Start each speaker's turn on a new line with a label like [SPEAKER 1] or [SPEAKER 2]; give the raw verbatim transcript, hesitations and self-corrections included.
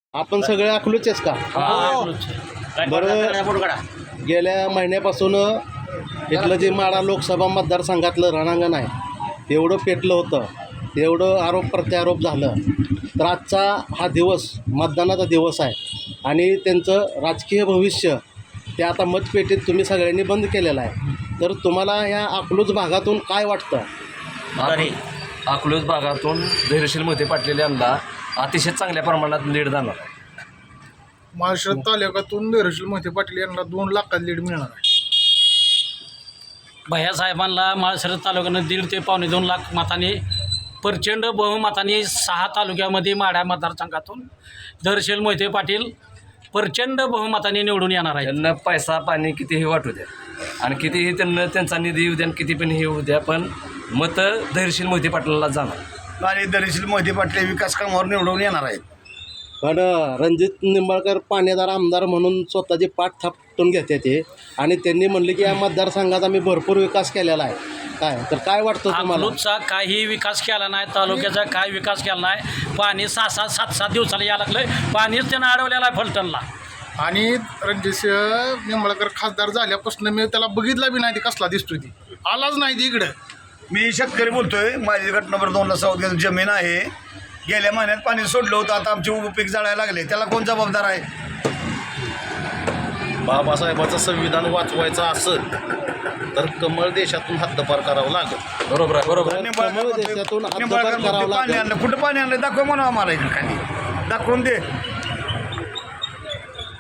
[SPEAKER 1] आपण सगळे अकलूचेच का? बरं, गेल्या महिन्यापासून इथलं जे माढा लोकसभा मतदारसंघातलं रणांगण आहे तेवढं पेटलं होतं, तेवढं आरोप प्रत्यारोप झालं. तर आजचा हा दिवस मतदानाचा दिवस आहे आणि त्यांचं राजकीय भविष्य ते आता मतपेटीत तुम्ही सगळ्यांनी बंद केलेलं आहे. तर तुम्हाला ह्या अकलूज भागातून काय वाटतं?
[SPEAKER 2] अकलूज भागातून धैर्यशील मोहिते पाटील यांना अतिशय चांगल्या प्रमाणात लीड जाणार आहे.
[SPEAKER 3] महाराष्ट्र तालुक्यातून धैर्यशील मोहिते पाटील यांना दोन लाखात लीड मिळणार आहे.
[SPEAKER 4] भैयासाहेबांना माळशिरस तालुक्यानं दीड ते पावणे दोन लाख मतांनी प्रचंड बहुमताने सहा तालुक्यामध्ये माढा मतदारसंघातून धैर्यशील मोहिते पाटील प्रचंड बहुमताने निवडून येणार आहे.
[SPEAKER 2] त्यांना पैसा पाणी कितीही वाटू द्या आणि कितीही त्यांना त्यांचा निधी येऊ द्या आणि किती पण हे होऊ द्या, पण मतं धैर्यशील मोहिते पाटलाला जाणार
[SPEAKER 5] आणि धैर्यशील मोहिते पाटील विकास कामावर निवडून येणार आहेत.
[SPEAKER 1] पण रणजित निंबाळकर पाणीदार आमदार म्हणून स्वतःची पाठ थापटून घेते ते आणि त्यांनी म्हणले की या मतदारसंघात आम्ही भरपूर विकास केलेला आहे. काय तर काय वाटतं तुम्हाला?
[SPEAKER 4] अकलूजचा काही विकास केला नाही, तालुक्याचा काय विकास केला नाही. पाणी सहा सहा सात सात दिवसाला यायला लागलं, पाणीच त्यानं अडवलेलं आहे फलटणला.
[SPEAKER 3] आणि रणजित निंबाळकर खासदार झाल्यापासून मी त्याला बघितला बी नाही, ती कसला दिसतोय ती आलाच नाही ती इकडं.
[SPEAKER 5] मी शेतकरी बोलतोय. माझी गट नंबर दोनला सौद जमीन आहे. गेल्या महिन्यात पाणी सोडलं होतं, आता आमचे उभं पीक जाळायला लागले. त्याला कोण जबाबदार आहे?
[SPEAKER 6] बाबासाहेबाचं संविधान वाचवायचं असेल तर कमळ देशातून हद्दपार करावं लागेल.
[SPEAKER 2] बरोबर आहे, बरोबर आहे.
[SPEAKER 5] निंबाळकर
[SPEAKER 1] त्यामुळे
[SPEAKER 5] म्हणतोय,
[SPEAKER 1] देशातून हद्दपार
[SPEAKER 5] निंबाळकर म्हणतोय
[SPEAKER 1] करावं
[SPEAKER 5] पाणी
[SPEAKER 1] लागेल.
[SPEAKER 5] आणलं. कुठं पाणी आणलं दाखव म्हणा आम्हाला इकडे खाली दाखवून दे.